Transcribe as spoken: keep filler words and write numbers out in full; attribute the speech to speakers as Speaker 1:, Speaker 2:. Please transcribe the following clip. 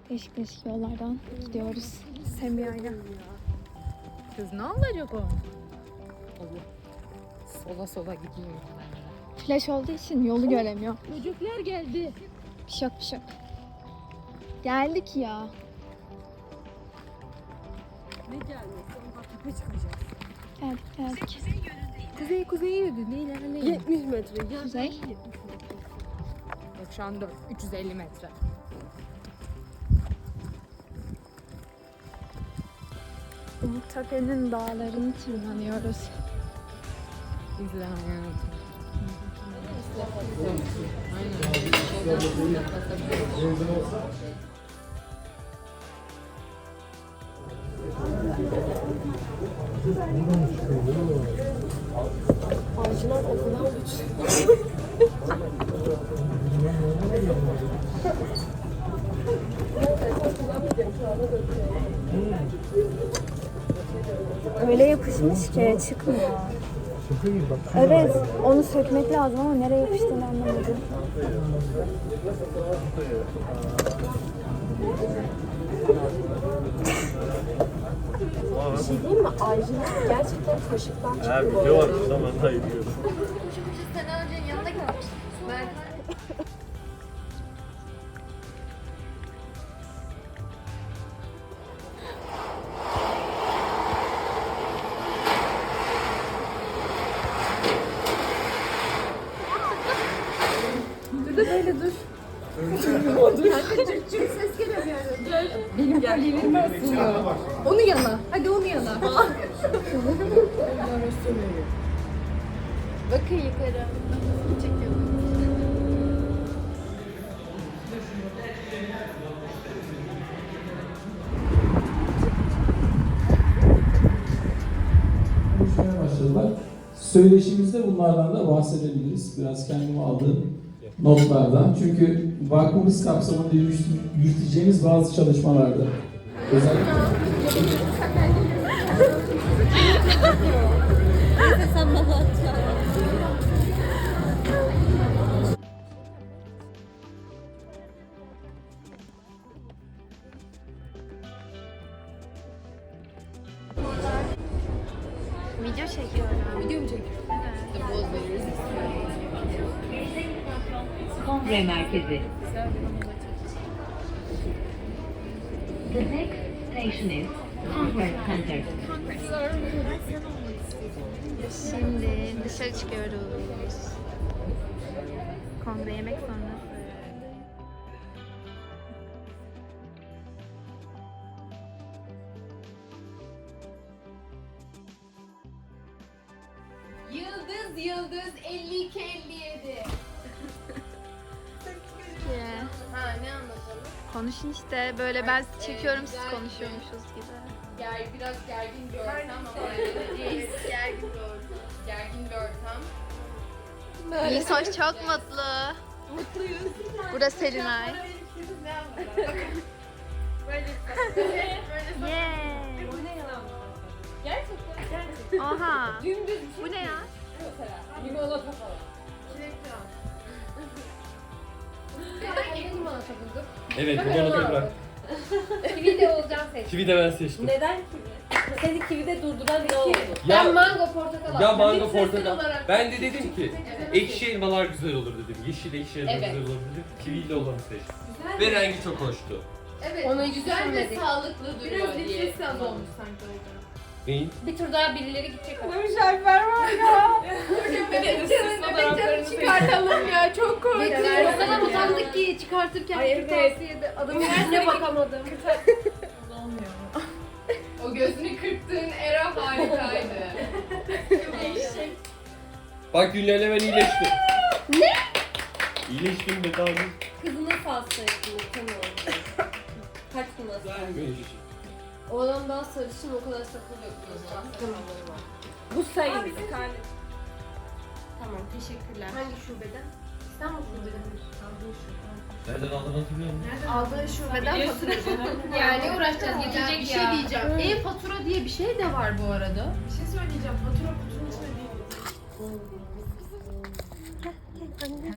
Speaker 1: Değişik değişik yollardan gidiyoruz Semiha'yla.
Speaker 2: Kız ne olacak o? Sola sola gidiyor.
Speaker 1: Flash olduğu için yolu göremiyor.
Speaker 2: Çocuklar geldi.
Speaker 1: Bir şey yok bir şey yok. Geldik ya.
Speaker 2: Ne gelmesi? Ondan tepe çıkacağız.
Speaker 1: Geldik geldik.
Speaker 2: Kuzey kuzeye yürüdü. Ne ilerleyin? yetmiş metre. Ya.
Speaker 1: Kuzey.
Speaker 2: Yok şu an dört. üç yüz elli metre.
Speaker 1: Umuttepe'nin dağlarını tırmanıyoruz.
Speaker 2: İzle hayatım.
Speaker 3: Ağacılar o kadar güçlü.
Speaker 1: Öyle yapışmış ki çıkmıyor. Evet, onu sökmek lazım ama nereye yapıştığını anlamadım.
Speaker 3: Bir şey diyeyim mi? Ağacılar gerçekten kaşıktan çıktı.
Speaker 4: Ha, video var o zaman da izliyorum.
Speaker 2: Benim kalbimi ısınıyor. Onu yana. Hadi onu yana. Bakın yukarı. Çekiyorum.
Speaker 5: Konuşmaya başladılar. Söyleşimizde bunlardan da bahsedebiliriz. Biraz kendime aldığım notlardan. Çünkü vakfımız kapsamında yürüt- yürüteceğimiz bazı çalışmalarda özellikle
Speaker 1: Video çekiyorum.
Speaker 2: Video mu çekiyorsun? İşte boz veririz.
Speaker 6: Kongre Merkezi. The next station is Congress Center.
Speaker 1: Şimdi dışarı çıkıyoruz. Kongre yemek sonrası.
Speaker 2: Yıldız yıldız elli iki elli yedi. Ha ne anlatalım?
Speaker 1: Konuşun işte böyle ben sizi çekiyorum siz konuşuyormuşuz gibi.
Speaker 2: Ger, biraz gergin bir ortam ama öyle gergin bir ortam. Gergin bir ortam.
Speaker 1: Nisoş çok mutlu.
Speaker 2: Mutluyuz.
Speaker 1: Burası Selinay.
Speaker 2: Böyle böyle böyle.
Speaker 1: Yeah.
Speaker 2: Bu ne ya? Gerçekten. Gerçekten.
Speaker 1: Oha.
Speaker 2: Dümdüz bir şey.
Speaker 1: Bu ne ya?
Speaker 2: Mesela. Limonata falan. Çilekli al. Hangi limonata bulduk?
Speaker 4: Evet, bu bana bırak.
Speaker 2: Kivi de olacağım seçtim.
Speaker 4: Kivi de ben seçtim.
Speaker 3: Neden kivi? Seni kivide durduran ne oldu?
Speaker 4: Ya,
Speaker 2: Ben mango portakal
Speaker 4: ya
Speaker 2: aldım.
Speaker 4: mango
Speaker 2: Hepsi seçim
Speaker 4: portakal.
Speaker 2: olarak.
Speaker 4: Ben de dedim ki ekşi elmalar güzel olur dedim. Yeşil ekşi elma
Speaker 2: Evet.
Speaker 4: güzel olur dedim. Kiviyle olanı seçtim. Ve rengi çok hoştu.
Speaker 2: Evet.
Speaker 3: Onu hiç
Speaker 2: güzel ve
Speaker 3: düşünmedik.
Speaker 2: sağlıklı duruyor
Speaker 3: Biraz
Speaker 2: diye.
Speaker 3: nefes az olmuş sanki orada.
Speaker 4: Neyin?
Speaker 2: Bir tur daha birileri gidecek ama.
Speaker 3: Müşerfer var ya.
Speaker 2: Bebekcanı bebekcanı çıkartalım ya çok korkunç. O kadar utandık ki çıkartırken
Speaker 3: Ay, evet.
Speaker 2: kırtasiyede adamın
Speaker 3: Yüzüne bakamadım.
Speaker 2: O gözünü kırptığın era harikaydı.
Speaker 4: Bak Güller'le ben iyileştim. Ne? İyileştim be daha önce.
Speaker 3: Kızına falsa ettim. Tanıyorum. Kaç gün nasıl?
Speaker 2: O adam daha sarışın o kadar sakal yok.
Speaker 3: Bu sayın. Tamam teşekkürler.
Speaker 2: Hangi şubeden? İstanbul şubeden.
Speaker 4: Nereden aldın hatırlıyor musun?
Speaker 2: Aldığı şubeden fatura. Yani uğraşacağız getirecek bir şey diyeceğim. E-fatura diye bir şey de var bu arada.
Speaker 3: Bir şey söyleyeceğim. Fatura kutunun içinde değil.